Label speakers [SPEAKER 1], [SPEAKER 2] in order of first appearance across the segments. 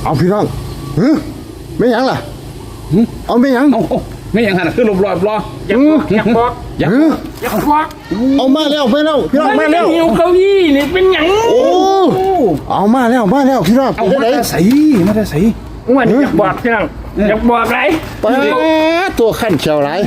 [SPEAKER 1] เอาพี่น้องไม่ยังล่ะเอาไม่ยัง
[SPEAKER 2] ไม่ยังหันขึ้นรอบ
[SPEAKER 3] อยากบอก
[SPEAKER 1] เอามาแล้วพี่น้องมาแล้ว
[SPEAKER 3] หิวเก้าอี้นี่เป็นหยัง
[SPEAKER 1] โอ้เอามาแล้วพี่น้อง
[SPEAKER 2] เอามาใส่
[SPEAKER 3] วันอยากบอกพี่น้องอยากบอกไร
[SPEAKER 1] ตัวขั้นเชียวไร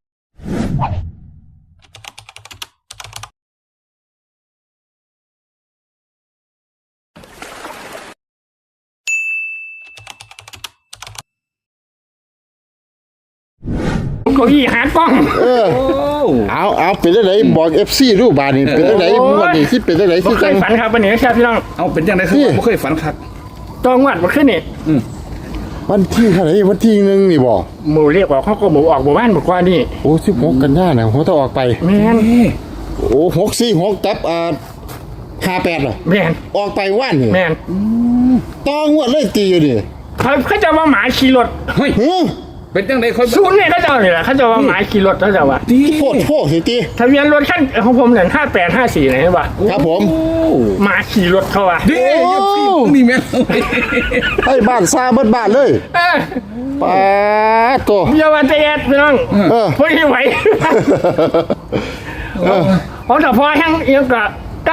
[SPEAKER 3] เก้าอี้หากล้อง
[SPEAKER 1] เอาเป็นได้ไหนบอก FC รูปบานี่เป็นได้ไหนวันนี้ที่เป็นได้ไหนที่
[SPEAKER 3] เคยฝันครับวันนี้ครับพี่น้อง
[SPEAKER 2] เอาเป็นยังไงคือไม่เคยฝันครับ
[SPEAKER 3] ต้องวัดมาขึ้นนี่
[SPEAKER 1] วันที่เท่าไหร่วันที่นึงนี่บอก
[SPEAKER 3] หมูเรียกว่าเขาก็หมูออกหมู่บ้านบอกว่านี่
[SPEAKER 1] โอ้16กันยายนหัวต้องออกไป
[SPEAKER 3] แม่น
[SPEAKER 1] โอ้646กับ58เหรอ
[SPEAKER 3] แม่น
[SPEAKER 1] ออกไปว่านนี่
[SPEAKER 3] แม่น
[SPEAKER 1] ต้องงวดเลยตีอยู่ดิ
[SPEAKER 3] เขาจะว่าหมาขี่รถ
[SPEAKER 2] เฮ้ยเป็นจังได๋ค่อย
[SPEAKER 3] ศูนย์เนี่ยเขาจะนี่แหละเขาจะว่าหมาขี่รถเขาจะว่า
[SPEAKER 1] โทษสิตี
[SPEAKER 3] ทะเบียนรถขั้นของผมเนี่ย5854ไหนวะ
[SPEAKER 1] ครับผม
[SPEAKER 3] หมาขี่รถเขาว่ะ
[SPEAKER 2] นี่แม่
[SPEAKER 1] ให้บ้านซาเบิดบ้านเลยป้าตัว
[SPEAKER 3] เยาวันเตะพี่น้องไม่ไหวเพราะแต่พอทั้งยังกับ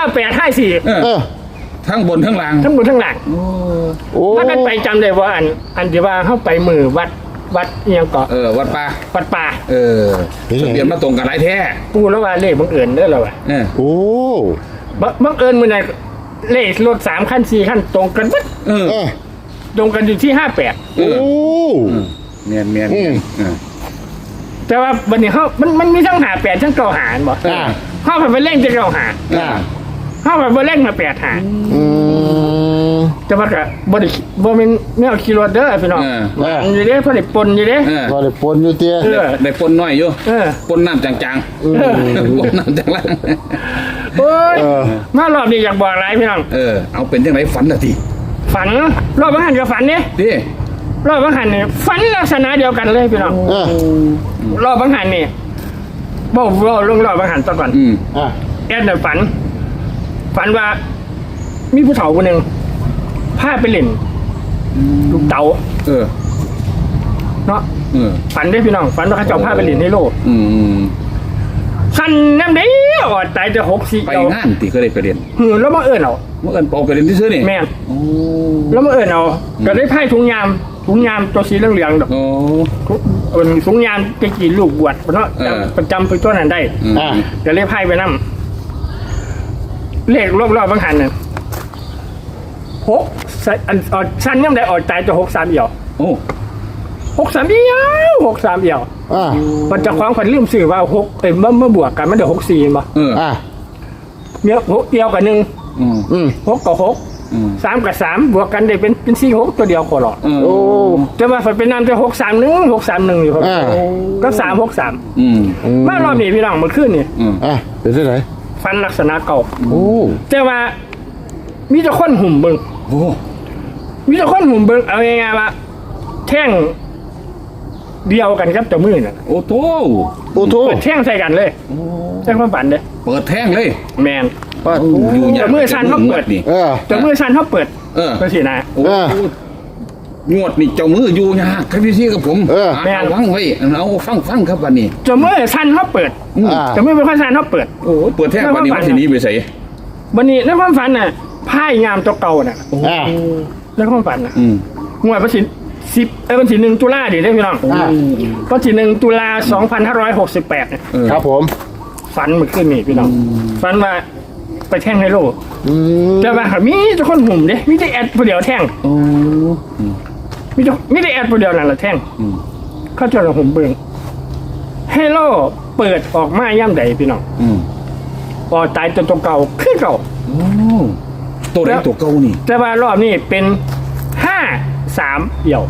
[SPEAKER 3] 9854
[SPEAKER 2] ทั้งบนทั้งล่าง
[SPEAKER 3] ทั้งบนทั้งหลังถ้ากันไปจำได้ว่าอันที่ว่าเข้าไปมือวัดยังเกาะ
[SPEAKER 2] วัดป่าทะเบียนมาตรงกันหลายแท้
[SPEAKER 3] ปูแล้วว่าเลขบังเอิญได้หรอวะ
[SPEAKER 1] โอ้
[SPEAKER 3] บังเอิญมันเนี่ยเลขรถ3 ขั้น 4 ขั้นตรงกันวัดตรงกันอยู่ที่58
[SPEAKER 1] โอ้
[SPEAKER 2] เมียน
[SPEAKER 3] แต่ว่าวันนี้เขามันมีทั้ง58ทั้ง9 หารบ่เข้าไปเล่นจะ9 หารเข้าไปเล่นมา8 หารจะว่ากับ่เป็นแนวขี่รถเด้อพี่น้องอยู่เด้พอได้ปนอยู่เด้
[SPEAKER 1] พอได้ปนอยู่เตี้ย
[SPEAKER 2] ได้ปนน้อยอยู่ปนน้ำจางๆปนน้ำจางล่าง
[SPEAKER 3] โอ้ยมารอบนี้อยากบอกอะไรพี่น้อง
[SPEAKER 2] เอาเป็นยังไงฝันน่ะที
[SPEAKER 3] ฝันรอบบังหันกับฝันนี่
[SPEAKER 2] ดิ
[SPEAKER 3] รอบบังหันนี่ฝันลักษณะเดียวกันเลยพี่น้องรอบบังหันนี่บอกลงรอบบังหันตอนก่อนแอดเนี่ยฝันว่ามีผู้เฒ่าคนหนึ่งพาไปเล่นลูกเต๋าเนาะฝันได้พี่น้องฝันว่าเขาเจ้าพาไปเล่นในโลกขันน้ำเดี้ยวตายจะ64
[SPEAKER 2] ไปงานตีก็ได้ไปเรียน
[SPEAKER 3] แล้วมาเอิญเอา
[SPEAKER 2] ไปเรียนที่ซื้อนี่
[SPEAKER 3] แม่แล้วมาเอิญเอาก็ได้ไพ่ถุงยามตัวสีเหลืองๆดอกเป็นถุงยามจะกี่ลูกบวชเพราะประจำไปตัวนั้นได้ก็เลยไพ่ไปนั่งเลขรอบๆบางหันเนี่ยสั้นยังได้ออกใจจะ63 เอี่ยว63 เอี่ยวมันจะคล้องคนลืมสื่อว่า6เมื่อบวกกันมันเดี๋ยว64ป่ะเนี่ย6 เอี่ยวกับ1 6 กับ 6 3 กับ 3บวกกันได้เป็น46ตัวเดียวขอหลอดจะมาฝันเป็นน้ำจะ631อยู่ครับก็363มารอบนี้พี่น้องมันขึ้นนี่
[SPEAKER 1] เป็นที่ไหน
[SPEAKER 3] ฟันลักษณะเก่าแต่ว่ามีแต่คนหุ่มเบิ้งมีแต่คนหุ่มเบิ้งเอาง่ายๆว่าแท่งเดียวกันครับแต่มือน่ะ
[SPEAKER 2] โอ้โห
[SPEAKER 3] เปิดแท่งใส่กันเลยแท่งความฝันเลย
[SPEAKER 2] เปิดแท่งเลย
[SPEAKER 3] แมนแต่มือชันเขาเปิด
[SPEAKER 2] นี่
[SPEAKER 3] แต่มือชันเขาเปิดก็สินะ
[SPEAKER 2] งวดนี่เจ้ามืออยู่ยากครับพี่กับผม
[SPEAKER 3] แม่
[SPEAKER 2] ฟังไว้เอาฟังครับวันนี้
[SPEAKER 3] เจ้ามือชันเขาเปิดเจ้ามือเป็นคนชันเขาเปิด
[SPEAKER 2] เปิดแท่งวันนี้วันที่นี้ไปใส่
[SPEAKER 3] วันนี้ในความฝันน่ะไพ่งามตัวเก่าน่ะในความฝันน่ะงวดวันที่วันที่1 ตุลาดิได้พี่น้องวันที่1 ตุลา 2568เนี่ย
[SPEAKER 1] ครับผม
[SPEAKER 3] ฝันเมื่อคืนนี่พี่น้องฝันว่าไปแท่งไฮโลแต่ว่ามีแต่คนหุ่มเด้มีแต่แอดผู้เดียวแท่งมีแต่แอดผู้เดียวนั่นแหละแท่งเขาจะหุ่มเบิ่งไฮโลเปิดออกมาย่ำใดพี่น้องออกตายตัวเก่าขึ้นเก่า
[SPEAKER 2] ตัวไหนตัวเก่านี่
[SPEAKER 3] แต่ว่ารอบนี้เป็น53 เอี่ยว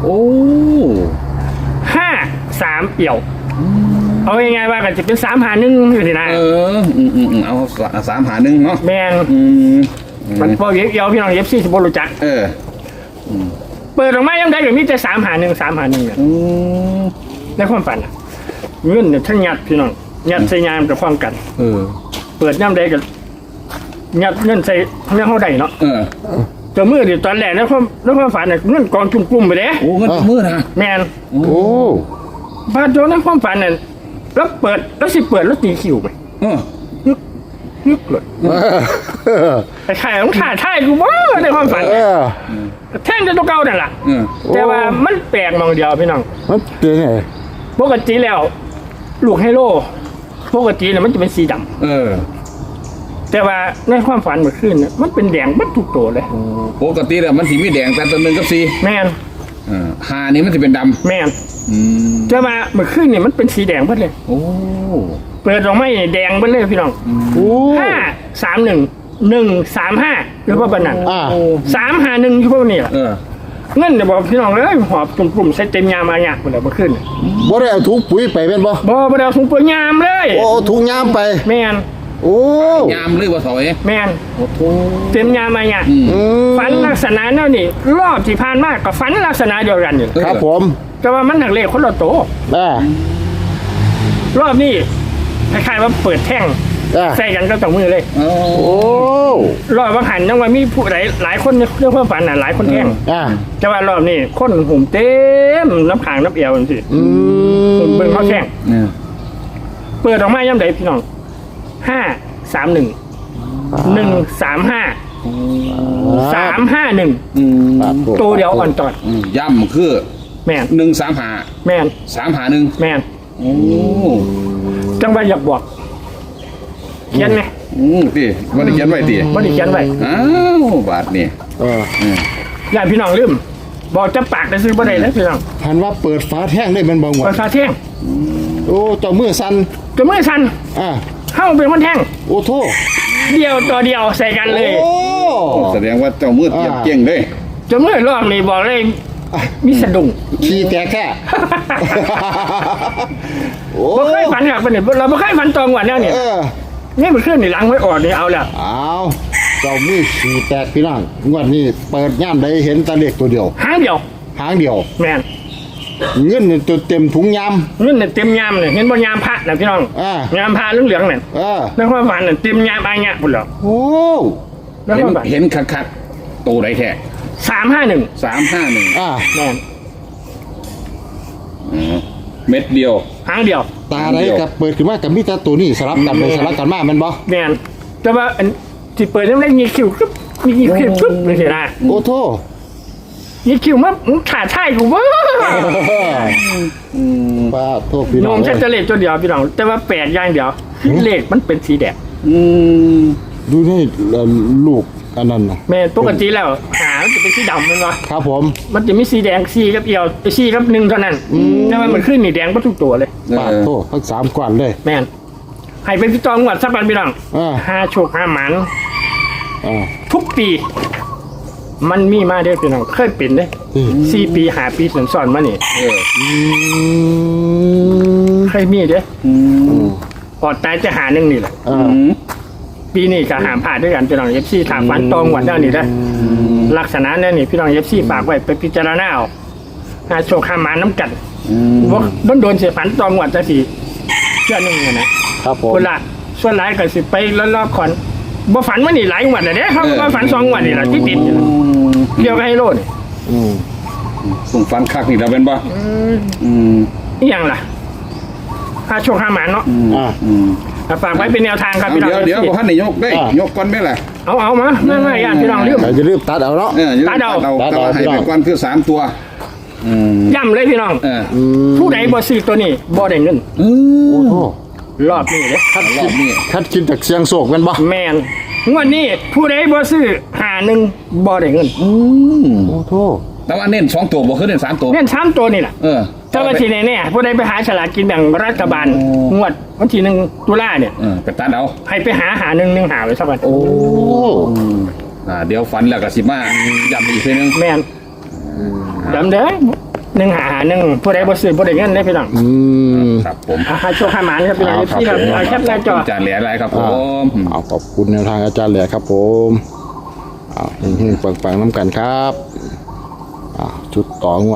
[SPEAKER 3] 53 เอี่ยวเอายังไงว่ากันจะเป็น3-1อยู่สินะ
[SPEAKER 2] เอา3-1เนาะ
[SPEAKER 3] แมนมันพอเอี่ยวพี่น้องFCสิบ่รู้จักเปิดออกมายังได้อยู่มีแต่3-1เนี่ยในความฝันเงินเนี่ยทั้งยัดพี่น้องยัดใส่ยามกับความกันเปิดย่ำได้กันยัดเงินใส่เรื่องเขาได้เนาะตัวมือดิตอนแรกแล้วความฝันเนี่ยเงินกองจุ่มๆไปเลย
[SPEAKER 2] โอ้เงินมือนะ
[SPEAKER 3] แมน
[SPEAKER 1] โอ้
[SPEAKER 3] พาโจในความฝันเนี่ยแล้วเปิดแล้วสิเปิดแล้วตีคิวไป
[SPEAKER 2] เออ
[SPEAKER 3] ยึกเลยแต่ขายของขาท่ายกูบ้าในความฝัน
[SPEAKER 1] เออ
[SPEAKER 3] แท่งจะตัวเก่านั่นแหละ
[SPEAKER 2] เออ
[SPEAKER 3] แต่ว่ามันแปลกมองเดียวพี่น้อง
[SPEAKER 1] มันเป็นไง
[SPEAKER 3] ปกติแล้ว ลูกไฮโลปกติเนี่ยมันจะเป็นสีดำ
[SPEAKER 2] เออ
[SPEAKER 3] แต่ว่าในความฝันเมื่อคืนเนี่ยมันเป็นแดงบัดทุกตัวเลย
[SPEAKER 2] ปกติแล้วมันสีมีแดงแต่ตัวหนึ่งกับสี
[SPEAKER 3] แมน
[SPEAKER 2] หานี่มันจะเป็นด
[SPEAKER 3] แมน
[SPEAKER 2] ำอืม
[SPEAKER 3] แต่ว่าเมื่อคืนเนี่ยมันเป็นสีแดงเบิดเลย
[SPEAKER 2] โอ้
[SPEAKER 3] เปิดออกมาแดงเบิดเลยพี่น้อง
[SPEAKER 1] โอ้
[SPEAKER 3] 531 135หรือว่าบันนั้น
[SPEAKER 1] อ่า
[SPEAKER 3] 351อยู่พวกนี้ล่ะ
[SPEAKER 2] เออ
[SPEAKER 3] เงินเนี่ยบอกพี่น้องเลยหอบกลุ่มๆใส่เต็มยามมาเนี่ยหมดเลยเมื่อคืนเนี่ย
[SPEAKER 1] บ่ได้เอาถุงปุ๋ยไปเป็นบ่
[SPEAKER 3] บ่ได้เอาถุงปุ๋ยยามเลย
[SPEAKER 1] โอ้ถุงยามไป
[SPEAKER 3] แมน
[SPEAKER 1] โอ้
[SPEAKER 2] ยามหรือว่าถอย
[SPEAKER 3] แมน
[SPEAKER 2] โอ้โห
[SPEAKER 3] เต็มยามมาเนี่ย
[SPEAKER 2] อืม
[SPEAKER 1] อืม
[SPEAKER 3] ฝันลักษณะนั่นนี่รอบที่ผ่านมาก็ฝันลักษณะเดียวกันอยู่
[SPEAKER 1] ครับผม
[SPEAKER 3] แต่ว่ามันหนักเลขคนละโตว
[SPEAKER 1] อ่าร
[SPEAKER 3] อบนี้คล้ายๆว่าเปิดแท่ง
[SPEAKER 1] อ่า
[SPEAKER 3] ใส่กันก็ต้องมือเลย
[SPEAKER 2] โอ้
[SPEAKER 1] โอ้
[SPEAKER 3] รอบว่าหันยังว่ามีผู้หลายคนเรื่องความฝันน่ะหลายคนแท่ง
[SPEAKER 1] อ่า
[SPEAKER 3] แต่ว่ารอบนี้คนหุ่มเต็มน้ำขางน้ำเอวจังซี่
[SPEAKER 1] อืม
[SPEAKER 3] เบิ่งเขาแท่ง
[SPEAKER 2] เนี่ย
[SPEAKER 3] เปิดออกมาย่ำใดพี่น้อง531 135 351
[SPEAKER 2] อืม
[SPEAKER 1] ปาดโถ่
[SPEAKER 3] ตัวเดียวอ่อนจอด
[SPEAKER 2] ย่ำคือ
[SPEAKER 3] แม่น
[SPEAKER 2] 135
[SPEAKER 3] แม่น
[SPEAKER 2] 351
[SPEAKER 3] แม่น
[SPEAKER 2] โอ้
[SPEAKER 3] จังว่าอยากบอกเขียนไหม
[SPEAKER 2] ตีมันได้เขียนไว้ตี
[SPEAKER 3] บ่ได้เขียนไว้
[SPEAKER 2] อ้าวบาทนี่
[SPEAKER 1] เออ
[SPEAKER 3] ญาติพี่น้องลืมบอกจะปากได้ซื้อบ่ได้แล้วพี่น้อง
[SPEAKER 1] หันว่าเปิดฝาแท่งได้มันบ่งว
[SPEAKER 3] ภา
[SPEAKER 1] ด
[SPEAKER 3] ษาเที่ยง
[SPEAKER 1] โอ้เจ้ามือสั่น
[SPEAKER 3] จะมือสั่น
[SPEAKER 1] อ่า
[SPEAKER 3] เข้าเป็นคนแท่ง
[SPEAKER 1] โอ้โท
[SPEAKER 3] เดียวต่อเดียวใส่กันเลย
[SPEAKER 1] โอ้
[SPEAKER 2] แสดงว่าเจ้ามืดเก็บเก่งเลย
[SPEAKER 3] จะมือรอบนี้บอกเลยมีสะดุ้ง
[SPEAKER 1] ขี้แตกแค่ โอ้
[SPEAKER 3] บ่เคยฝันครับเนี่ยเราบ่เคยฝันตรงวันแล้วเนี่ย
[SPEAKER 1] เออ
[SPEAKER 3] นี่มันขึ้นในหลังไว้อ่อนนี่เอาแล้ว
[SPEAKER 1] เอาเจ้ามือขี้แตกพี่น้องงวดนี้เปิดย่ามใดเห็นแตะเลขตัวเดียว
[SPEAKER 3] หางเดียว
[SPEAKER 1] หางเดียว
[SPEAKER 3] แม่น
[SPEAKER 1] เงินนี่ตัวเต็มถุงยาม
[SPEAKER 3] เงินเนี่ยเต็มยามเนี่ยเห็นบ่ยามพระนะพี่น้อง
[SPEAKER 1] อ่า
[SPEAKER 3] ยามพระเหลืองๆเนี่ย
[SPEAKER 1] เออ
[SPEAKER 3] ในความฝันเนี่ยเต็มยามอายะพุ่นแล้ว
[SPEAKER 1] โอ้
[SPEAKER 3] ในความฝัน
[SPEAKER 2] เห็นคักๆตัวไหนแท้
[SPEAKER 3] 351
[SPEAKER 2] 351
[SPEAKER 1] อ่า
[SPEAKER 3] แม่น
[SPEAKER 2] เม็ดเดียว
[SPEAKER 3] หางเดียว
[SPEAKER 1] ตาไรกับเปิดขึ้นมากับมิตรตัวนี้สลับกันไปสลับกันมาแมันบ่
[SPEAKER 3] แม่นแต่ว่าอันที่เปิดยังได้มีคิวกึ๊บมีคิวกึ๊บเลยสินะ
[SPEAKER 1] โอ้โท
[SPEAKER 3] มีคิวมาขาดท่ายกูว่า
[SPEAKER 1] ป้าโทษพี่
[SPEAKER 3] โย
[SPEAKER 1] น้อง
[SPEAKER 3] มแค่จะเลขตัวเดียวพี่น้องแต่ว่าแปดอย่างเดียวเลขมันเป็นสีแดง
[SPEAKER 2] อืม
[SPEAKER 1] ดูนี่ลูกอันนั้นนะ
[SPEAKER 3] แม่ปกติแล้วหามันจะเป็นสีดำมันวะ
[SPEAKER 1] ครับผม
[SPEAKER 3] มันจะมีสีแดงสีกับเอียวสีกับหนึ่งเท่านั้นแต่ว่ามันขึ้นนี่แดงก็ทุกตัวเลย
[SPEAKER 1] ป้าโทษทั้งสามกวนเลย
[SPEAKER 3] แม่นให้เป็นพี่ตองหวัดสักวันพี่น้อง
[SPEAKER 1] อ่า
[SPEAKER 3] หาโชคหาหมัน
[SPEAKER 1] อ่า
[SPEAKER 3] ทุกปี มันมีมาเด้อพี่น้องเคยเป็นเด้
[SPEAKER 1] อืม
[SPEAKER 3] 4 ปี5 ปีสอนๆมานี่
[SPEAKER 2] เออ
[SPEAKER 3] เคยมีเด้
[SPEAKER 2] อืม
[SPEAKER 3] อดตายจะหาหนึ่งนี่แหละ
[SPEAKER 1] อ่า
[SPEAKER 3] ปีนี้ก็หามผ่านด้วยกันพี่น้องเอฟซีถามฟันตองหวัดเจ้านี่ได้อลักษณะนั่นนี่พี่น้องเอฟซีฝากไว้ไปพิจารณาเอาหาโชคหาหมาน้ำกัน
[SPEAKER 2] อืม
[SPEAKER 3] ว่าโดนเสียฝันตองหวัดจะสิเชื่อหนึ่งอะนะครับ
[SPEAKER 1] ผม
[SPEAKER 3] คนละส่วนหลายก็สิไปแล้วรอบก่อนบ่ฝันว่านี่หลายหวัดเลยเด้เขาบ่ฝัน2 หวัดนี่แหละที่ติดนี่ล่ะเกี่ยวกับไฮโลด
[SPEAKER 1] อืม
[SPEAKER 2] ส่งฟันคักนี่เราเป็นป่ะอืม
[SPEAKER 3] อีหยังล่ะหาโชคหาหมาเนาะ
[SPEAKER 1] อ่า
[SPEAKER 2] อืม
[SPEAKER 3] ฝากไว้เป็นแนวทางครับพี่น้อง
[SPEAKER 2] เดี๋ยวพ่อท่านนายกได้
[SPEAKER 1] อ่ะ
[SPEAKER 2] ยกก่อนไหมล่ะ
[SPEAKER 3] เอามาไม่ญาติพี่น้องลืม
[SPEAKER 1] ใครจะรีบตัดเอาเนาะ
[SPEAKER 3] ตัดเอา
[SPEAKER 2] แต่ว่าให้ไปก่อนคือ3 ตัว อืม
[SPEAKER 3] ย่ำเลยพี่น้อง
[SPEAKER 2] เออ
[SPEAKER 3] ผู้ใดบ่ซื้อตัวนี้บ่ได้เงิน
[SPEAKER 2] อื
[SPEAKER 1] โอ้
[SPEAKER 2] ม
[SPEAKER 1] โห
[SPEAKER 3] รอบนี้เด้
[SPEAKER 2] รอบนี้
[SPEAKER 1] คัดกินจากเสียงโศกแมันบ่
[SPEAKER 3] แมนงวดนี้ผู้ใดบ่ซื้อ51บ่ได้เงิน
[SPEAKER 2] อืม
[SPEAKER 1] โอ้โห
[SPEAKER 2] แต่ว่าเน้น2 ตัวบ่คือเน้น3 ตัว
[SPEAKER 3] เงิน3ตัวนี่แหละ
[SPEAKER 2] เออ
[SPEAKER 3] ถ้าว่าที่แน่ๆผู้ใดไปหาฉลากกินแบ่งรัฐบาลงวดวันที่1ตุลาเนี่ย
[SPEAKER 2] เออไปตัดเอา
[SPEAKER 3] ให้ไปหา1หาไว้สักวัน
[SPEAKER 1] โอ้
[SPEAKER 2] เดี๋ยวฝันแล้วก็สิมาย้ำอีกทีนึง
[SPEAKER 3] แม่นจำเด้อ1 ผู้ใดบ่ซื้อบ่ได้เงินเด้พี่น้อง
[SPEAKER 1] อืม
[SPEAKER 2] ครับผม
[SPEAKER 3] หาโชคหาหมานครับพี่น้อง
[SPEAKER 1] ครับ
[SPEAKER 3] ที่ครับเอาแคปหน้าจอ
[SPEAKER 2] จานเหลืออะไรครับผม
[SPEAKER 1] เอาขอบคุณแนวทางอาจารย์แหล่ครับผมเอาเฮงๆปังๆน้ำกันครับชุดต่องวด